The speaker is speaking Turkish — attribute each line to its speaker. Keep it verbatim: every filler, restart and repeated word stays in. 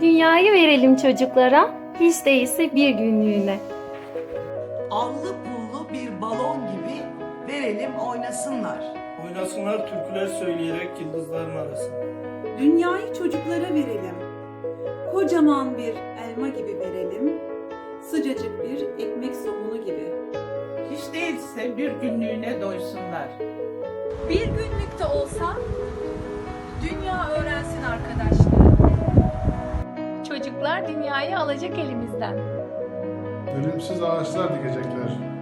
Speaker 1: Dünyayı verelim çocuklara, hiç değilse bir günlüğüne.
Speaker 2: Allı pullu bir balon gibi verelim oynasınlar.
Speaker 3: Oynasınlar türküler söyleyerek yıldızların arasında.
Speaker 4: Dünyayı çocuklara verelim. Kocaman bir elma gibi verelim. Sıcacık bir ekmek somunu gibi.
Speaker 5: Hiç değilse bir günlüğüne doysunlar.
Speaker 6: Bir günlükte olsa dünya öğrensin arkadaşlığı. Çocuklar dünyayı alacak elimizden.
Speaker 7: Ölümsüz ağaçlar dikecekler.